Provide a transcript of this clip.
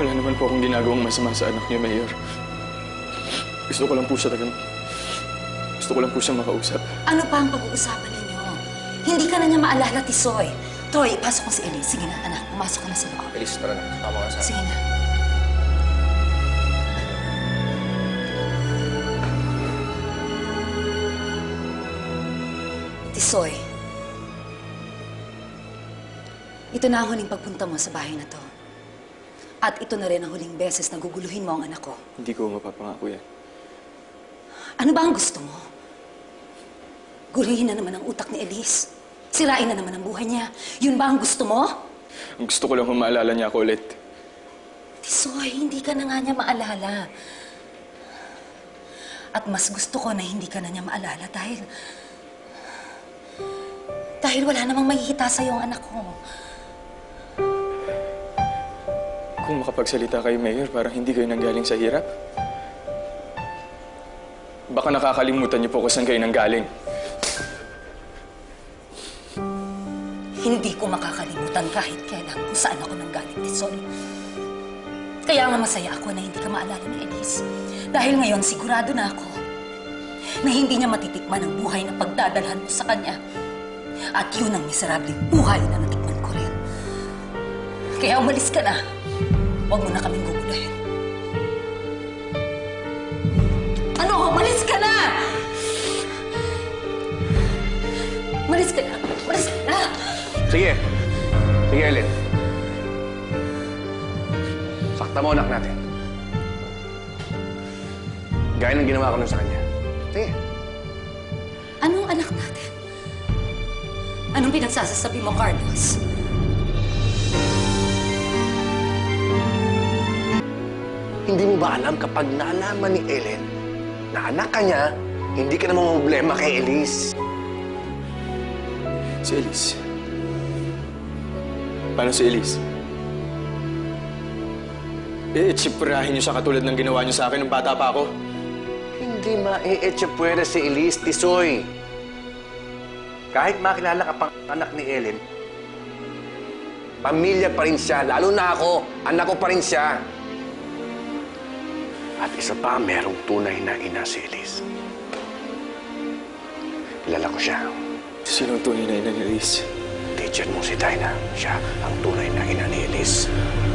Wala naman po akong ginagawang masama sa anak niyo, Mayor. Gusto ko lang po siyang makausap. Ano pa ang pag-uusapan ninyo? Hindi ka na niya maalala, Tisoy. Troy, ipasok mo si Elise. Sige na, anak. Pumasok ka na sa loob. Elise, tara na. Tama ka sa akin. Sige na. Tisoy, ito na ang huling pagpunta mo sa bahay na to. At ito na rin ang huling beses na guguluhin mo ang anak ko. Hindi ko mapapangako yan. Ano ba ang gusto mo? Guluhin na naman ang utak ni Elise. Sirain na naman ang buhay niya. Yun ba ang gusto mo? Ang gusto ko lang kung maalala niya ako ulit. Tisoy, hindi ka na nga niya maalala. At mas gusto ko na hindi ka na niya maalala dahil wala namang mahihita sa'yo ang anak ko. Kung makapagsalita kayo, Mayor, parang hindi kayo nanggaling sa hirap. Baka nakakalimutan niyo po kung saan kayo nanggaling. Hindi ko makakalimutan kahit kailan kung saan ako nanggaling, Tisoy. Kaya nga masaya ako na hindi ka maalala ni Elise. Dahil ngayon sigurado na ako na hindi niya matitikman ang buhay na pagdadalhan mo sa kanya. At yun ang miserableng buhay na natikman ko rin. Kaya umalis ka na. Huwag mo na kaming gugulahin. Ano? Umalis ka na! Umalis ka na! Umalis ka na! Sige. Sige, Ellen. Sakta mo anak natin. Gaya ng ginawa ko nun sa kanya. Sige. Anong anak natin? Anong pinagsasasabi mo, Carlos? Hindi mo ba alam kapag nalaman ni Ellen na anak ka niya, hindi ka na problema kay Elise? Si Elise. Paano si Elise? Itsipurahin niyo siya katulad ng ginawa niyo sa akin nung bata pa ako. Hindi ma-e-etsapwera si Elise, Tisoy. Kahit makilala ka pang anak ni Ellen, pamilya pa rin siya. Lalo na ako, anak ko pa rin siya. At isa pa, merong tunay na ina si Elise. Kilala ko siya. Sino ang tunay na ina ni Elise? Teacher mo si Dinah. Siya ang tunay na ina ni Elise.